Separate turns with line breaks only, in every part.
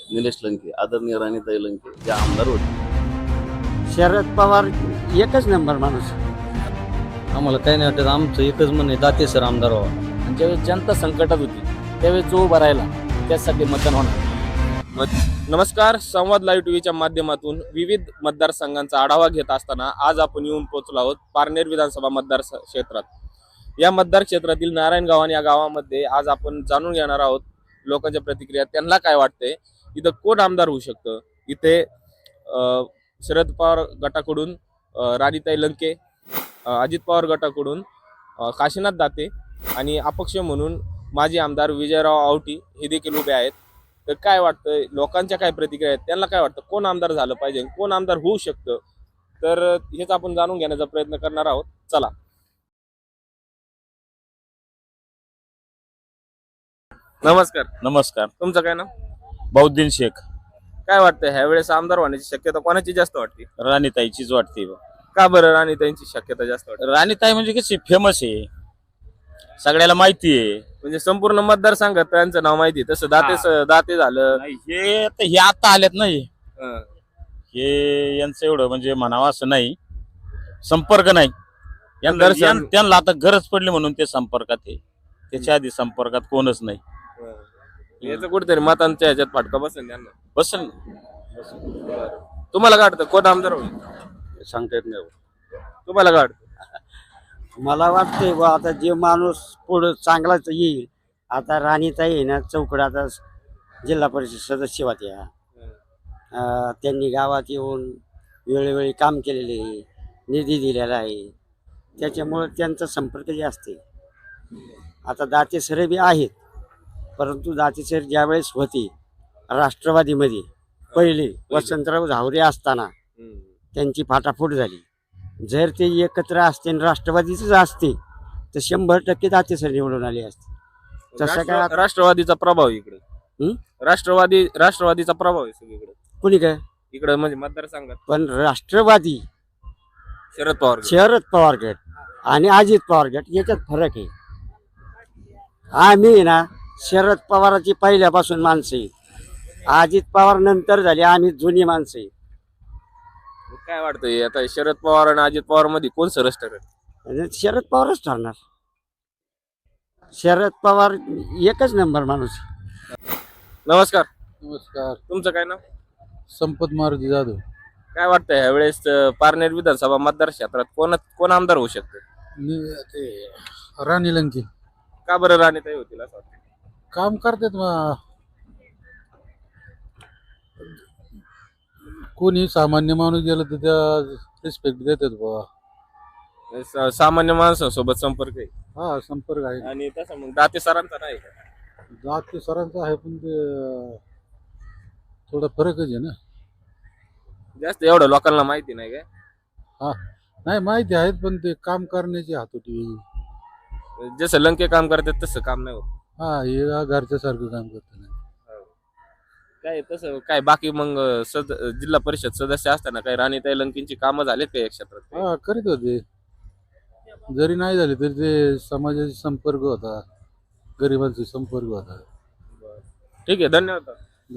निलेश लंके, आदरणीय राणीताई लंके जे आमदार होते.
शरद पवार एकच नंबर माणूस.
आम्हाला काही नाही वाटत. आमचं एकच म्हणणं आहे, दाते सर आमदार व्हावा.
आणि ज्यावेळेस जनता संकटात होती त्यावेळेस जो उभा राहिला त्यासाठी मतदान होणार.
नमस्कार, संवाद लाईव्ह टीव्हीच्या माध्यमातून विविध मतदारसंघांचा आढावा घेत असताना आज आपण येऊन पोहोचलो आहोत पारनेर विधानसभा मतदार क्षेत्रात. या मतदार क्षेत्रातील नारायणगाव आणि या गावामध्ये आज आपण जाणून घेणार आहोत लोकांच्या प्रतिक्रिया, त्यांना काय वाटतंय, इथं कोण आमदार होऊ शकतं. इथे शरद पवार गटाकडून राणीताई लंके, अजित पवार गटाकडून काशीनाथ दाते आणि अपक्ष म्हणून माजी आमदार विजयराव आवटी हे देखील उभे आहेत. तर काय वाटतं, लोकांच्या काय प्रतिक्रिया आहेत, त्यांना काय वाटतं, कोण आमदार झालं पाहिजे, कोण आमदार होऊ शकतं, तर हेच आपण जाणून घेण्याचा प्रयत्न करणार आहोत. चला. नमस्कार.
नमस्कार.
तुमचं काय नाव?
बौद्दीन शेख.
काय वाटतं, ह्या वेळेस आमदार होण्याची शक्यता कोणाची जास्त वाटते?
राणीताईचीच वाटते.
का बरं राणीताईंची शक्यता जास्त वाटते?
राणीताई म्हणजे कशी फेमस आहे, सगळ्याला माहिती आहे.
म्हणजे संपूर्ण मतदारसंघात त्यांचं नाव माहिती आहे. तसं दाते झालं,
हे आता आलेत नाही,
हं.
हे यांचं एवढं म्हणजे म्हणावं असं नाही, संपर्क नाही त्यांना आता गरज पडली म्हणून ते संपर्कात आहे. त्याच्या आधी संपर्कात कोणच नाही.
याचं कुठेतरी मतांच्या ह्याच्यात फाटका बसेल त्यांना.
बसल.
तुम्हाला काय वाटतं, कोण आमदार होईल?
सांगता येत नाही.
तुम्हाला काय वाटतं?
मला वाटतंय बा आता जे माणूस पुढं चांगलाच येईल. आता राणीताई आहे ना चौकड, आता जिल्हा परिषद सदस्य होत्या. त्यांनी गावात येऊन वेळोवेळी काम केलेले आहे, निधी दिलेला आहे, त्याच्यामुळं त्यांचा संपर्क जास्त आहे. आता दाते सर बी आहेत, परंतु दाते सर ज्यावेळेस होते राष्ट्रवादीमध्ये पहिले वसंतराव झावरे असताना त्यांची फाटाफूट झाली. जर ते एकत्र असते आणि राष्ट्रवादीच असते तर 100% दाते सर निवडून आले असते. तसं काय
राष्ट्रवादीचा प्रभाव आहे इकडे. राष्ट्रवादीचा प्रभाव आहे सगळीकडे.
कुणी काय
इकडे म्हणजे मतदारसंघात
पण राष्ट्रवादी
शरद
पवार गट आणि अजित पवार गट याच्यात फरक आहे. आम्ही ना शरद पवाराची पहिल्यापासून माणसं आहे, अजित पवार नंतर झाले, आम्ही जुनी माणसं आहे.
काय वाटतंय, आता शरद पवार आणि अजित पवार मध्ये कोण सरस ठरेल?
आणि शरद पवारच ठरणार. शरद पवार एकच नंबर माणूस.
नमस्कार.
नमस्कार.
तुमचं काय नाव?
संपत मारुती जाधव.
काय वाटतंय, ह्या वेळेस पारनेर विधानसभा मतदार क्षेत्रात कोण आमदार होऊ शकते?
ते राणी लंके
का बरं राणीताई होतील असं वाटतं?
काम करतात. कोणी सामान्य माणूस गेला तर त्या रिस्पेक्ट देतात बाबा.
सामान्य माणसांसोबत संपर्क आहे.
हा, संपर्क आहे.
आणि तसं मग दाते सरांचा नाही का?
जात सरांचं आहे, पण ते थोडा फरकच आहे ना.
जास्त एवढं लोकांना माहिती नाही काय?
हा, नाही माहिती आहेत, पण ते काम करण्याची हातोटी वेगळी.
जसं लंके काम करतात तसं काम नाही होत.
हा, हे घरच्या सारखं काम करतात.
काय तसं काय बाकी मग जिल्हा परिषद सदस्य असताना काही राणीताई लंकेंची कामं झालीत का या क्षेत्रात?
हा, करीत होते. जरी नाही झाले तरी ते समाजाशी संपर्क होता, गरिबांशी संपर्क होता.
ठीक आहे, धन्यवाद.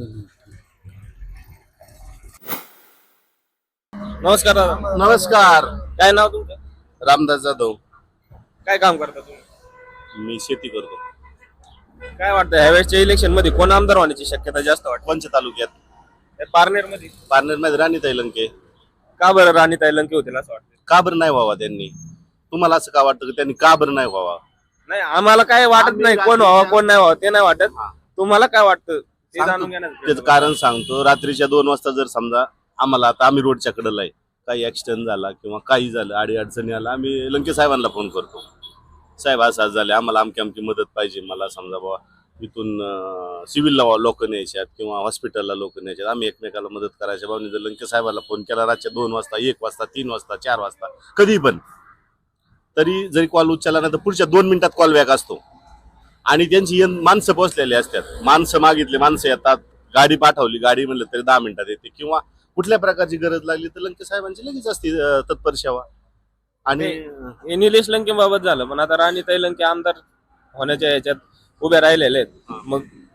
नमस्कार दादा.
नमस्कार.
काय नाव तुमचं?
रामदास जाधव.
काय काम करता तुम्ही?
मी शेती करतो.
काय वाटतं, ह्यावेळेसच्या इलेक्शन मध्ये कोण आमदार होण्याची शक्यता जास्त वाटते?
पंच तालुक्यात
पारनेर मध्ये.
पारनेरमध्ये राणीताई लंके.
का बरं राणीताई लंके होतील असं वाटतं?
का बरं नाही व्हावा त्यांनी? तुम्हाला असं का वाटतं की त्यांनी का बरं नाही व्हावा?
नाही, आम्हाला काय वाटत नाही कोण व्हावा कोण नाही व्हावं ते नाही वाटत. तुम्हाला काय वाटतं ते जाणून घेण्याचं
त्याचं कारण सांगतो. रात्रीच्या 2 वाजता जर समजा आम्हाला, आता आम्ही रोडच्या कडेला आहे, काही ऍक्सिडेंट झाला किंवा काही झालं, आडी अडचणी आला, आम्ही लंके साहेबांना फोन करतो, साहेब असं झाले, आम्हाला अमकी मदत पाहिजे. मला समजा बाबा इथून सिव्हिलला लोक न्यायच्यात किंवा हॉस्पिटलला लोक न्यायच्यात, आम्ही एकमेकाला मदत करायच्या भावने जर लंके साहेबाला फोन केला रातच्या 2 वाजता, 1 वाजता, 3 वाजता, 4 वाजता, कधी पण, तरी जरी कॉल उचलला नाही तर पुढच्या 2 मिनिटात कॉल बॅक असतो. आणि त्यांची माणसं पोहोचलेली असतात. माणसं मागितले, माणसं येतात, गाडी पाठवली, गाडी म्हणलं तरी 10 मिनिटात येते. किंवा कुठल्या प्रकारची गरज लागली तर लंके साहेबांची लगेच असते तत्पर सेवा. आणि
निलेश लंके बाबत झालं, पण आता राणीताई लंके आमदार होण्याच्या ह्याच्यात उभे राहिलेले आहेत. मग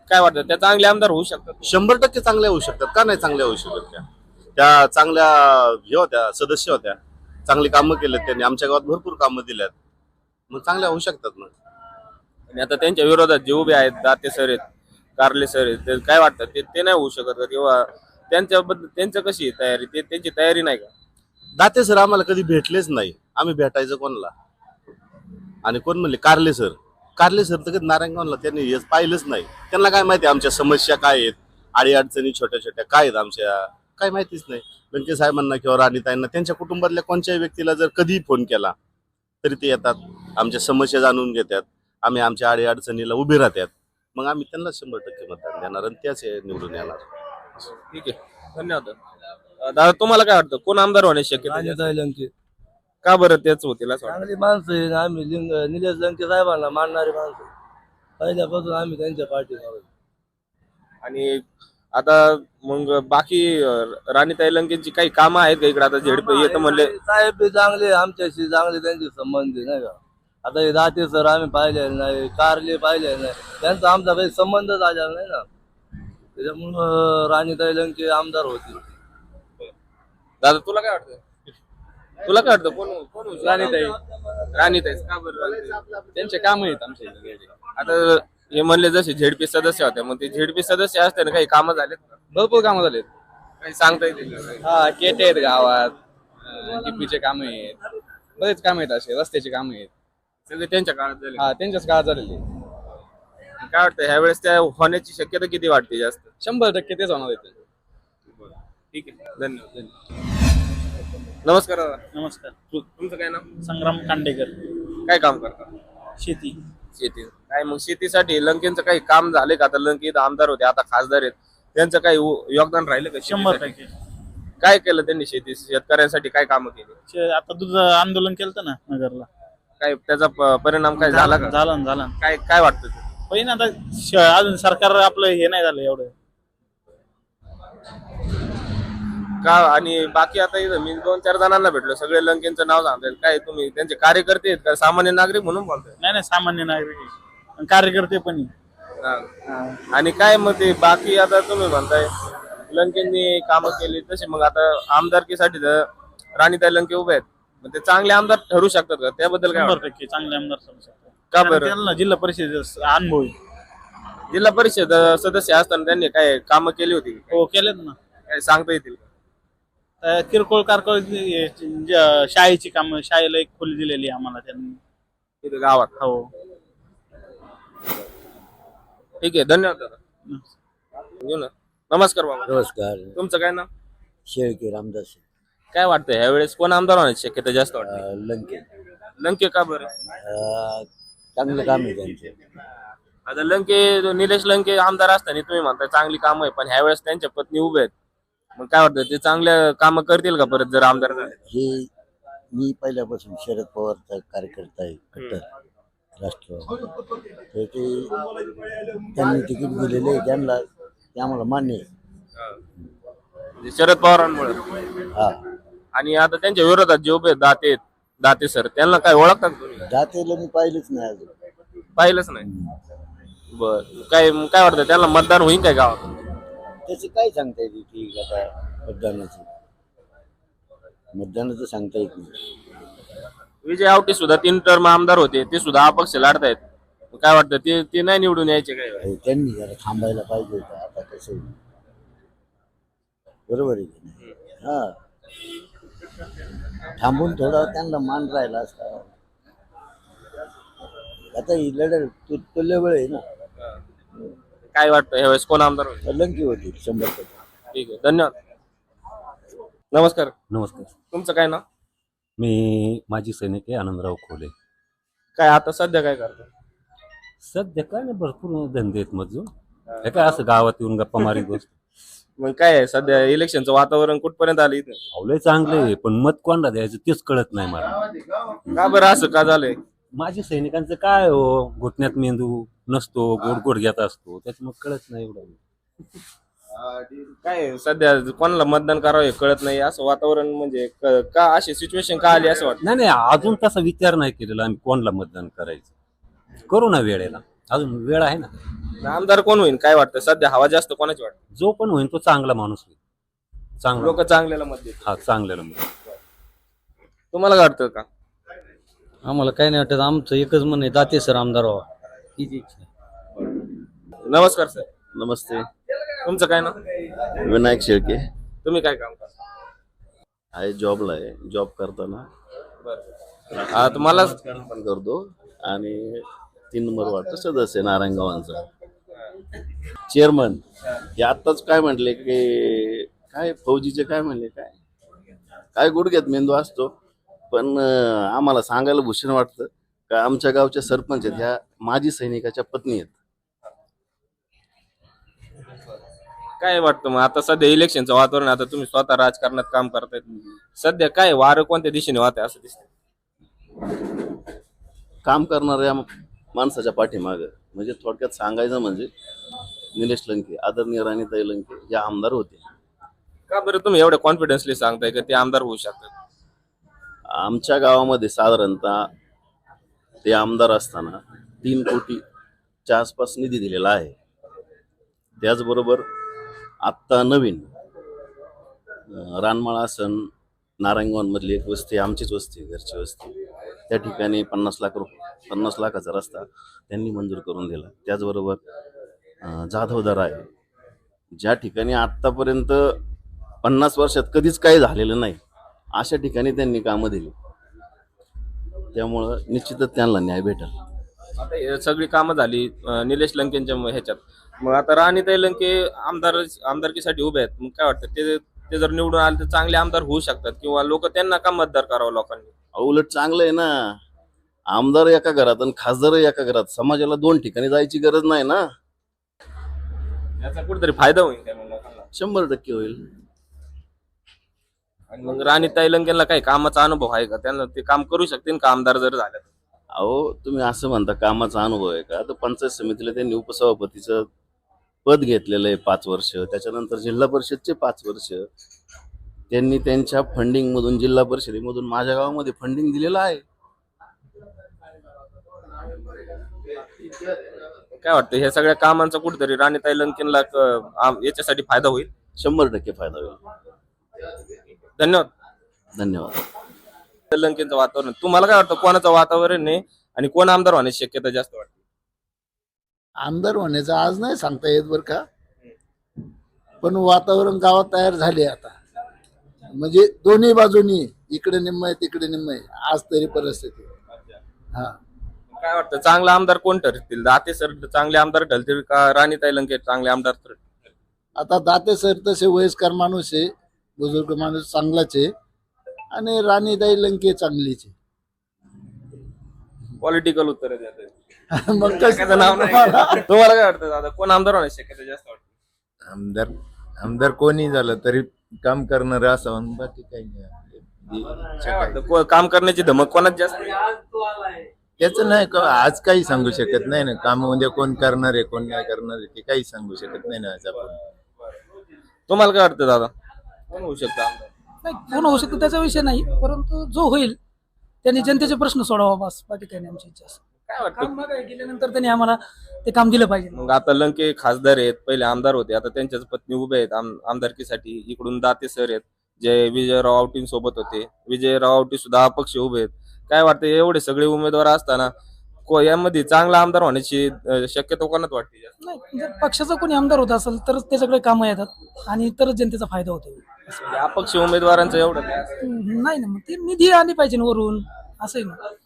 काय वाटतं त्या चांगले आमदार होऊ शकतात?
100% चांगल्या होऊ शकतात. का नाही चांगल्या होऊ शकत त्या चांगल्या हे होत्या, सदस्य होत्या, चांगली कामं केलेत त्यांनी, आमच्या गावात भरपूर कामं दिल्यात, मग चांगल्या होऊ शकतात ना.
आणि आता त्यांच्या विरोधात जे उभे आहेत, दाते सर आहेत, कारले सर आहेत, ते काय वाटतं ते नाही होऊ शकत का? किंवा त्यांच्याबद्दल त्यांचं कशी आहे तयारी, त्यांची तयारी नाही का?
दाते सर आम्हाला कधी भेटलेच नाही, आम्ही भेटायचं कोणाला? आणि कोण म्हणले? कारले सर तर कधी नारायणगावला त्यांनी हेच पाहिलंच नाही. त्यांना काय माहिती आमच्या समस्या काय आहेत, अडीअडचणी छोट्या छोट्या काय आहेत आमच्या, काय माहितीच नाही. लंके साहेबांना किंवा राणीताईंना त्यांच्या कुटुंबातल्या कोणत्याही व्यक्तीला जर कधी फोन केला तरी ते येतात, आमच्या समस्या जाणून घेतात, आम्ही आमच्या अडीअडचणीला उभे राहतात, मग आम्ही त्यांना 100% मतदान देणार आणि त्याच निवडून येणार.
ठीक आहे, धन्यवाद. दादा तुम्हाला काय वाटतं कोण आमदार होण्याची शक्यता जास्त?
लंके
का बरं तेच होतील असं वाटतं?
चांगली माणसं आहे. आम्ही निलेश लंके साहेबांना मानणारी माणसं पहिल्यापासून आम्ही त्यांच्या पाठीवर आहोत.
आणि आता मग बाकी राणीताई लंकेंची काही कामं आहेत का इकडे? आता झेडपी येतं म्हणले
साहेब बी चांगले, आमच्याशी चांगले त्यांचे संबंध आहे, नाही का? आता हे दाते सर आम्ही पाहिले नाही, कारले पाहिले नाही, त्यांचा आमचा काही संबंधच आलेला नाही ना, त्याच्यामुळं राणीताई लंके आमदार होतील.
दादा तुला काय वाटतं? कोण कोण होईल? राणीताई का बरं राणीताई?
त्यांचे काम आहेत आमच्या इथे.
आता हे म्हणले जसे झेडपी सदस्य होते, मग ते झेडपी सदस्य असताना काही कामं झालेत का?
भरपूर कामं झालेत.
काही सांगता येतील का?
हा, केटे आहेत गावात, टिपीचे काम आहेत, बरेच काम आहेत, असे रस्त्याचे काम आहेत,
सगळे त्यांच्या काळात झाले.
हा त्यांच्याच काळात झालेले.
काय वाटतं ह्या वेळेस त्या होण्याची शक्यता किती वाटते जास्त?
100% तेच होणार आहे.
ठीक आहे, धन्यवाद. नमस्कार दादा.
नमस्कार.
तुमचं काय नाव?
संग्राम कांडेकर.
काय काम करता?
शेती.
शेती. काय मग शेतीसाठी लंकेंचं काही काम झाले का? आता लंके इथं आमदार होते, आता खासदार आहेत, त्यांचं काही योगदान राहिलं का?
100%.
काय केलं त्यांनी शेतकऱ्यांसाठी काय कामं केली?
आता तुझं आंदोलन केलं ना नगरला,
काय त्याचा परिणाम काय झाला का?
झाला ना.
काय काय वाटतं ते?
पण आता अजून सरकार आपलं हे नाही झालं एवढं.
का आणि बाकी आता इथं मी 2-4 जणांना भेटलो, सगळे लंकेंचं नाव सांगतात. काय तुम्ही त्यांचे कार्यकर्ते आहेत का सामान्य नागरिक म्हणून बोलताय?
नाही सामान्य नागरिक आहे. कार्यकर्ते पण आहे.
आणि काय मग ते बाकी आता तुम्ही म्हणताय लंकेंनी कामं केली तसे, मग आता आमदारकीसाठी तर राणीताई लंके उभे आहेत, मग ते चांगले आमदार ठरू शकतात का? त्याबद्दल काय वाटतं?
100% चांगले आमदार ठरू शकतात.
का बरं?
त्यांना जिल्हा परिषद अनुभव आहे.
जिल्हा परिषद सदस्य असताना त्यांनी काय कामं केली होती?
हो केलेत ना.
काय सांगता येतील का?
किरकोळ कारकोळ शाळेची कामं, शाळेला एक खोली दिलेली आहे आम्हाला त्यांनी
इथं गावात.
हो.
ठीक आहे, धन्यवाद दादा. घेऊ ना. नमस्कार बाबा.
नमस्कार.
तुमचं काय नाव?
शेळके रामदास
काय वाटतं ह्या वेळेस कोण आमदार होण्याची शक्यता जास्त वाटते?
लंके.
लंके का बरं?
चांगलं काम आहे त्यांचं.
आता लंके निलेश लंके आमदार असताना तुम्ही म्हणताय चांगली कामं आहे, पण ह्या वेळेस त्यांच्या पत्नी उभे आहेत, मग काय वाटतं ते चांगल्या कामं करतील का परत जर आमदार झाले?
हे मी पहिल्यापासून शरद पवारचा कार्यकर्ता आहे, कट्टर राष्ट्रवादी, तर ते त्यांनी तिकीट दिलेले आहे त्यांना, ते आम्हाला मान्य आहे.
म्हणजे शरद पवारांमुळे.
हा,
आणि आता त्यांच्या विरोधात जे उभे आहेत, दाते सर, त्यांना काय ओळखतात तुम्ही?
जातेला मी पाहिलंच नाही अजून.
पाहिलंच नाही. बर, काय काय वाटतं त्यांना मतदान होईल काय गावात?
त्याचं काय सांगता येते की आता मतदानाचं सांगता येत नाही.
विजय आवटे सुद्धा 3 टर्म आमदार होते, ते सुद्धा अपक्ष लढतायत, काय वाटतं ते नाही निवडून यायचे काय?
अहो, त्यांनी जरा थांबायला पाहिजे होतं. आता कसं होईल? बरोबर आहे की नाही? हा, थांबून थोडा त्यांना मान राहिला असता. आता ही लढत तुल्य वेळ आहे ना.
काय वाटतं ह्यावेळेस कोण आमदार होईल?
लंकी होती 100%.
ठीक आहे, धन्यवाद. नमस्कार.
नमस्कार.
तुमचं काय नाव?
मी माजी सैनिक आहे, आनंदराव खोले.
काय आता सध्या काय करता?
सध्या काय नाही, भरपूर धंदे आहेत मजूर. हे काय असं गावात येऊन गप्पा मारी गोष्ट.
मग काय आहे सध्या इलेक्शनचं वातावरण कुठपर्यंत आलं इथं?
आवले चांगले आहे, पण मत कोणाला द्यायचं तेच कळत नाही मला.
का बरं असं का झालंय?
माजी सैनिकांचं काय हो, घुटण्यात मेंदू नसतो, गोड घेत असतो, त्याच्यामुळे कळत नाही एवढं.
काय आहे, सध्या कोणाला मतदान करावं हे कळत नाही असं वातावरण, म्हणजे का अशी सिच्युएशन का आली असं वाटतं?
नाही अजून तसा विचार नाही केलेला आम्ही कोणाला मतदान करायचं. करू ना वेळेला. अजून वेळ आहे ना.
आमदार कोण होईल काय वाटतं सध्या हवा जास्त कोणाची वाटतं?
जो पण होईल तो चांगला माणूस होईल. चांगला
लोक चांगल्याला मत देतात.
हा चांगल्याला मग.
तुम्हाला काय वाटतं का?
आम्हाला काही नाही वाटत, आमचं एकच म्हण आहे, दाते सर आमदार व्हावा हीच इच्छा आहे.
नमस्कार सर,
नमस्ते.
तुमचं काय ना?
विनायक शेळके
तुम्ही काय काम करता?
आहे, जॉबला आहे. जॉब करताना
तुम्हाला
राजकारण पण करतो आणि 3 नंबर वाटतं सदस्य आहे नारायणगावांचा चेअरमन. हे आत्ताच काय म्हटले की काय फौजीचे काय म्हणले काय गुडघ्यात मेंदू असतो. पण आम्हाला सांगायला भूषण वाटतं का आमच्या गावच्या सरपंच आहेत ह्या माजी सैनिकाच्या पत्नी आहेत.
काय वाटतं मग आता सध्या इलेक्शनचं वातावरण, आता तुम्ही स्वतः राजकारणात काम करतायत, सध्या काय वारं कोणत्या दिशेने वाहत आहे असं दिसतं?
काम करणाऱ्या माणसाच्या पाठीमागं म्हणजे थोडक्यात सांगायचं म्हणजे निलेश लंके, आदरणीय राणीताई लंके या आमदार होते.
का बरं तुम्ही एवढ्या कॉन्फिडन्सली सांगताय का ते आमदार होऊ शकतात?
आमच्या गावामध्ये साधारणतः ते आमदार असताना 3 कोटीच्या आसपास निधी दिलेला आहे. त्याचबरोबर आत्ता नवीन रानमाळा आसन नारायणगावांमधली एक वस्ती, आमचीच वस्ती, घरची वस्ती, त्या ठिकाणी 50 लाखाचा रस्ता त्यांनी मंजूर करून दिला. त्याचबरोबर जाधवदार आहे, ज्या ठिकाणी आत्तापर्यंत 50 वर्षात कधीच काही झालेलं नाही अशा ठिकाणी त्यांनी कामं दिली. त्यामुळं निश्चितच त्यांना न्याय भेटेल.
आता हे सगळी कामं झाली निलेश लंकेंच्या ह्याच्यात, मग आता राणीताई लंके आमदारकीसाठी उभे आहेत, मग काय वाटतं ते जर निवडून आले तर चांगले आमदार होऊ शकतात किंवा लोक त्यांना का मतदार करावं लोकांनी?
उलट चांगलं आहे ना, आमदार एका घरात आणि खासदार एका घरात, समाजाला 2 ठिकाणी जायची गरज नाही ना.
याचा कुठेतरी फायदा होईल त्या लोकांना.
100% होईल.
आणि मग राणीताई लंकेला काही कामाचा अनुभव आहे का? त्यांना ते काम करू शकतील का आमदार जर झाले?
अहो तुम्ही असं म्हणता कामाचा अनुभव आहे का, तर पंचायत समितीला त्यांनी उपसभापतीचं पद घेतलेलं आहे 5 वर्ष, त्याच्यानंतर जिल्हा परिषदचे 5 वर्ष त्यांनी त्यांच्या फंडिंग मधून, जिल्हा परिषदेमधून माझ्या गावामध्ये फंडिंग दिलेलं आहे.
काय वाटतं ह्या सगळ्या कामांचा कुठेतरी राणीताई लंकेला याच्यासाठी फायदा होईल?
100% फायदा होईल.
धन्यवाद.
धन्यवाद.
लंकेचं वातावरण तुम्हाला काय वाटतं, कोणाचं वातावरण आहे आणि कोण आमदार होण्याची शक्यता जास्त वाटते?
आमदार होण्याचं आज नाही सांगता येत बरं का, पण वातावरण गावात तयार झाले आता. म्हणजे दोन्ही बाजूनी, इकडे निम्म आहे तिकडे निम्म आहे आज तरी परिस्थिती. हा,
काय वाटतं चांगला आमदार कोण ठरतील? दाते सर चांगले आमदार ठरतील का राणीताई लंके चांगले आमदार ठरतील?
आता दाते सर तसे वयस्कर माणूस आहे, बुजुर्ग माणूस चांगलाच आहे, आणि राणीताई लंके चांगलीच आहे.
पॉलिटिकल उत्तर देते.
मग कसं
नाव नाही. तुम्हाला काय वाटतं दादा, कोण आमदार होण्याची शक्यता जास्त वाटते?
आमदार कोणी झालं तरी काम करणार असावं, बाकी काही नाही.
काय वाटतं काम करण्याची धमक कोणाच जास्त?
त्याचं नाही का आज काही सांगू शकत नाही ना. काम म्हणजे कोण करणार आहे कोण नाही करणार आहे ते काही सांगू शकत नाही ना आज आपण.
तुम्हाला काय वाटतं दादा, कोण होऊ शकतं आमदार?
नाही, कोण होऊ शकतो त्याचा विषय नाही, परंतु जो होईल त्यांनी जनतेचे प्रश्न सोडावा, बस बाकी काही नाही आमची इच्छा.
काय वाटतं
काम मागे गेल्यानंतर त्यांनी आम्हाला ते काम दिलं पाहिजे.
मग आता लंके खासदार आहेत, पहिले आमदार होते, आता त्यांच्याच पत्नी उभे आहेत आमदारकीसाठी. इकडून दाते सर आहेत जे विजयराव आवटी सोबत होते, विजयराव आवटी सुद्धा अपक्ष उभे आहेत. काय वाटतं एवढे सगळे उमेदवार असताना यामध्ये चांगला आमदार होण्याची शक्यता कोणाच वाटते जास्त?
नाही, जर पक्षाचा कोणी आमदार होत असेल तरच ते सगळे कामं येतात आणि तरच जनतेचा फायदा होतो.
म्हणजे अपक्ष उमेदवारांचं एवढं काय असतं?
नाही ना, मग ते निधी आली पाहिजे ना वरून, असं आहे ना.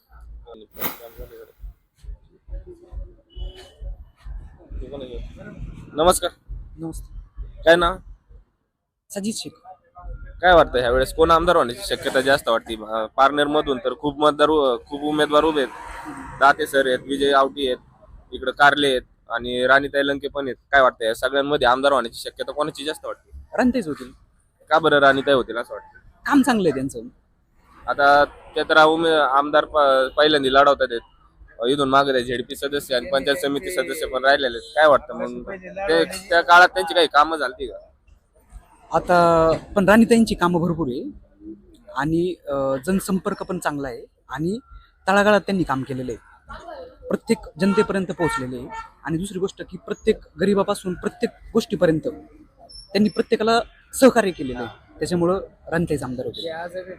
नमस्कार.
नमस्ते.
काय ना,
सजित शेख.
काय वाटतं ह्या वेळेस कोण आमदार होण्याची शक्यता जास्त वाटते? पारनेर मधून तर खूप उमेदवार उभे आहेत. दाते सर आहेत, विजय आवटी आहेत, इकडे कारले आहेत आणि राणीताई लंके पण आहेत. काय वाटतं या सगळ्यांमध्ये आमदार होण्याची शक्यता कोणाची जास्त वाटते?
रणतेच होतील.
का बरं राणीताई होतील असं वाटतं?
काम चांगलं आहे त्यांचं.
आता ते तर आमदार पहिल्यांदा लढवतात आहेत. इथून मागे झेडपी सदस्य आणि पंचायत समिती सदस्य पण राहिलेले आहेत. काय वाटतं मग त्या काळात त्यांची काही कामं झाली का?
आता पण राणीताईंची कामं भरपूर आहे आणि जनसंपर्क पण चांगला आहे आणि तळागाळात त्यांनी काम केलेलं आहे.
प्रत्येक जनतेपर्यंत पोहोचलेले आहे. आणि दुसरी गोष्ट की प्रत्येक गरीबापासून प्रत्येक गोष्टीपर्यंत त्यांनी प्रत्येकाला सहकार्य केलेलं आहे. त्याच्यामुळं राणीताईच आमदार होते.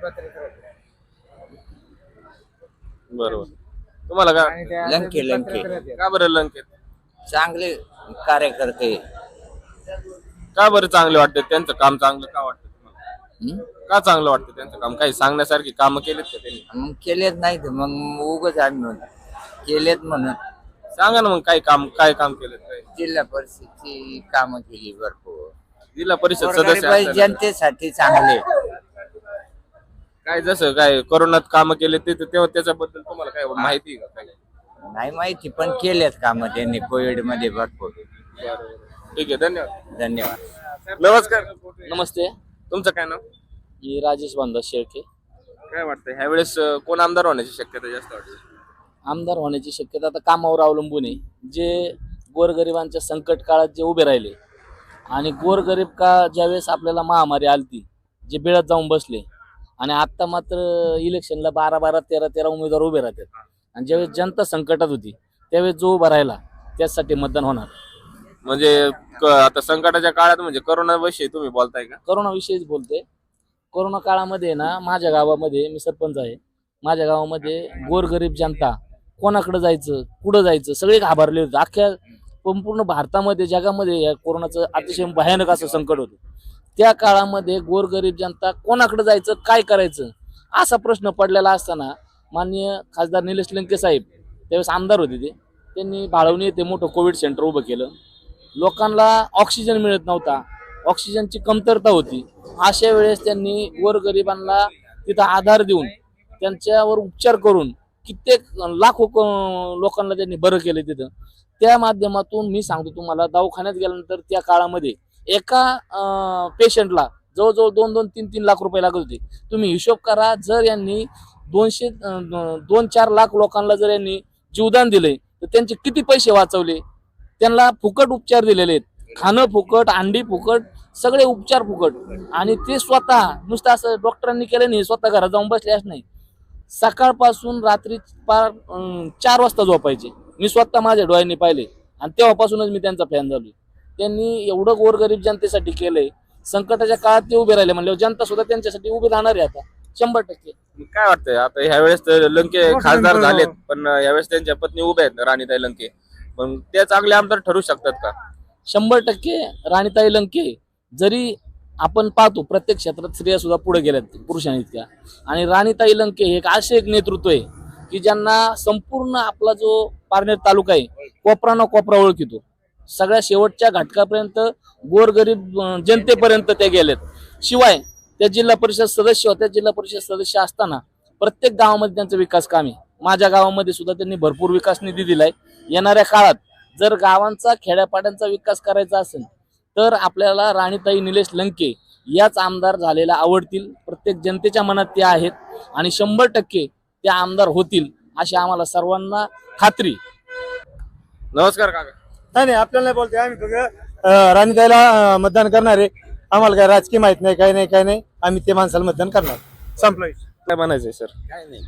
बरोबर. तुम्हाला काय
लंके
का बरं लंकेत
चांगले कार्यकर्ते.
का बरं चांगले वाटते त्यांचं काम चांगलं का वाटतं तुम्हाला? का चांगलं वाटतं त्यांचं काम? काही सांगण्यासारखी कामं केलीत का त्यांनी?
मग केलेत नाही तर मग उगच आम्ही केलेत म्हणून.
सांगा ना मग काय काम केलं काय?
जिल्हा परिषदची कामं केली भरपूर.
जिल्हा परिषद सदस्य असताना
जनतेसाठी चांगले.
काय जसं काय कोरोनात कामं केले ते तेव्हा त्याच्याबद्दल तुम्हाला काय माहिती आहे का? काय
नाही माहिती पण केलेत कामं त्यांनी कोविड मध्ये भरपूर.
ठीक आहे, धन्यवाद.
धन्यवाद.
नमस्कार.
नमस्ते,
तुमचं काय नाव?
मी राजेश बांधा शेळके.
काय वाटतं ह्यावेळेस कोण आमदार होण्याची शक्यता जास्त वाटते?
आमदार होण्याची शक्यता आता कामावर अवलंबून आहे. जे गोरगरिबांच्या संकट काळात जे उभे राहिले आणि गोरगरीब का ज्यावेळेस आपल्याला महामारी आलती, जे बेळत जाऊन बसले, आणि आता मात्र इलेक्शनला 12 13 उमेदवार उभे राहतात. आणि ज्यावेळेस जनता संकटात होती त्यावेळेस जो उभा राहिला त्यासाठी मतदान होणार.
म्हणजे आता संकटाच्या काळात म्हणजे करोना विषयी तुम्ही बोलताय का?
कोरोना विषयीच बोलते. कोरोना काळामध्ये ना माझ्या गावामध्ये, मी सरपंच आहे, माझ्या गावामध्ये गोरगरीब जनता कोणाकडे जायचं, कुठं जायचं, सगळे घाबरले होते. अख्ख्या संपूर्ण भारतामध्ये, जगामध्ये या कोरोनाचं अतिशय भयानक असं संकट होतं. त्या काळामध्ये गोरगरीब जनता कोणाकडे जायचं, काय करायचं असा प्रश्न पडलेला असताना माननीय खासदार निलेश लंके साहेब त्यावेळेस आमदार होते, त्यांनी भाळवणी येथे मोठं कोविड सेंटर उभं केलं. लोकांना ऑक्सिजन मिळत नव्हता, ऑक्सिजनची कमतरता होती. अशा वेळेस त्यांनी गोरगरिबांना तिथं आधार देऊन त्यांच्यावर उपचार करून कित्येक लाखो लोकांना त्यांनी बरं केलं तिथं. त्या माध्यमातून मी सांगतो तुम्हाला, दवाखान्यात गेल्यानंतर त्या काळामध्ये एका पेशंटला जवळजवळ 2-3 लाख रुपये लागत होते. तुम्ही हिशोब करा, जर यांनी 2-4 लाख लोकांना जर यांनी जीवदान दिले तर त्यांचे किती पैसे वाचवले. त्यांना फुकट उपचार दिलेले आहेत, खाणं फुकट, अंडी फुकट, सगळे उपचार फुकट. आणि ते स्वतः नुसतं असं डॉक्टरांनी केलं नाही, स्वतः घरात जाऊन बसल्याच नाही, सकाळपासून रात्री 4 वाजता झोपायचे. मी स्वतः माझ्या डोळ्यांनी पाहिले आणि तेव्हापासूनच मी त्यांचा फॅन झालो. त्यांनी एवढं गोरगरीब जनतेसाठी केलंय. संकटाच्या काळात ते उभे राहिले म्हणल्यावर जनता सुद्धा त्यांच्यासाठी उभी राहणार आहे आता 100%.
काय वाटतंय आता ह्यावेळेस तर लंके खासदार झालेत, पण यावेळेस त्यांच्या पत्नी उभ्या आहेत राणीताई लंके, पण ते चांगले आमदार ठरू शकतात का?
100% राणीताई लंके. जरी आपण पाहतो प्रत्येक क्षेत्रात स्त्रिया सुद्धा पुढे गेल्यात पुरुषांइतक्या, आणि राणीताई लंके हे एक नेतृत्व आहे की ज्यांना संपूर्ण आपला जो पारनेर तालुका आहे कोपरा न कोपरा ओळखितो. सगळ्या शेवटच्या घटकापर्यंत गोरगरीब जनतेपर्यंत ते गेलेत. शिवाय त्या जिल्हा परिषद सदस्य होत्या. जिल्हा परिषद सदस्य असताना प्रत्येक गावामध्ये त्यांचा विकास काम आहे. माझ्या गावामध्ये सुद्धा त्यांनी भरपूर विकास निधी दिलाय. येणाऱ्या काळात जर गावांचा, खेड्यापाड्यांचा विकास करायचा असेल तर आपल्याला राणीताई निलेश लंके याच आमदार झालेल्या आवडतील. प्रत्येक जनतेच्या मनात त्या आहेत आणि 100% त्या आमदार होतील अशी आम्हाला सर्वांना खात्री.
नमस्कार काका.
नाही आपल्याला नाही बोलते, आम्ही फक्त राणीताईला मतदान करणार आहे. आम्हाला काय राजकीय माहित नाही, काय नाही. आम्ही ते माणसाला मतदान करणार. संपलं.
काय म्हणायचंय सर?
काय नाही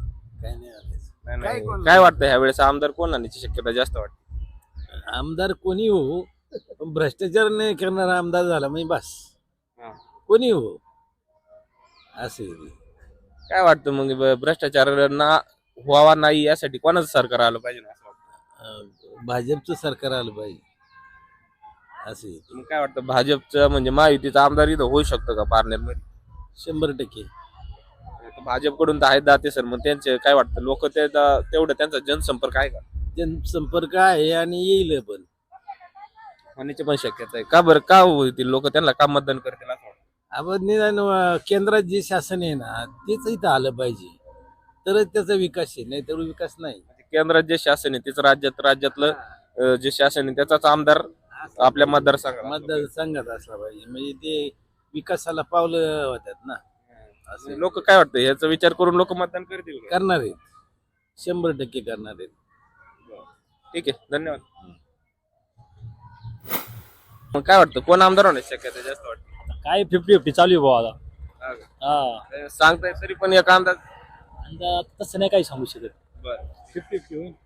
काय वाटतं ह्यावेळेस आमदार कोण आणण्याची शक्यता जास्त वाटते?
आमदार कोणी हो, भ्रष्टाचार नाही करणारा आमदार झाला म्हणजे बस. कोणी हो असे.
काय वाटतं मग भ्रष्टाचार व्हावा नाही यासाठी कोणाचं सरकार आलं पाहिजे असं वाटतं?
भाजपचं सरकार आलं पाहिजे असे.
मग काय वाटतं भाजपचं म्हणजे महायुतीचा आमदार इथं होऊ शकतो का पारनेर मध्ये?
100%.
भाजपकडून तर आहेत दाते सर, मग त्यांचे काय वाटतं लोक तेवढं त्यांचा जनसंपर्क आहे का?
जनसंपर्क आहे आणि येईल पण
होण्याची पण शक्यता आहे का? बरं का होतील लोक त्यांना का मतदान करतील असं वाटतं?
आपण निदान केंद्रात जे शासन आहे ना तेच इथं आलं पाहिजे तरच त्याचा विकास आहे, नाही तर विकास नाही.
केंद्रात जे शासन आहे तेच राज्यातलं जे शासन आहे त्याचाच आमदार आपल्या
मतदारसंघात असला पाहिजे, म्हणजे ते विकासाला पावलं होतात ना.
असं लोक काय वाटतं याचा विचार करून लोक मतदान करतील का?
करणार आहेत, 100% करणार आहेत.
ठीक आहे, धन्यवाद. मग काय वाटतं कोण आमदार होण्याची शक्यता जास्त वाटतं?
काय 50-50 चालू आहे भाऊ.
सांगताय तरी पण एक अंदाज
तसं नाही काही सांगू शकत.
बरं
50-50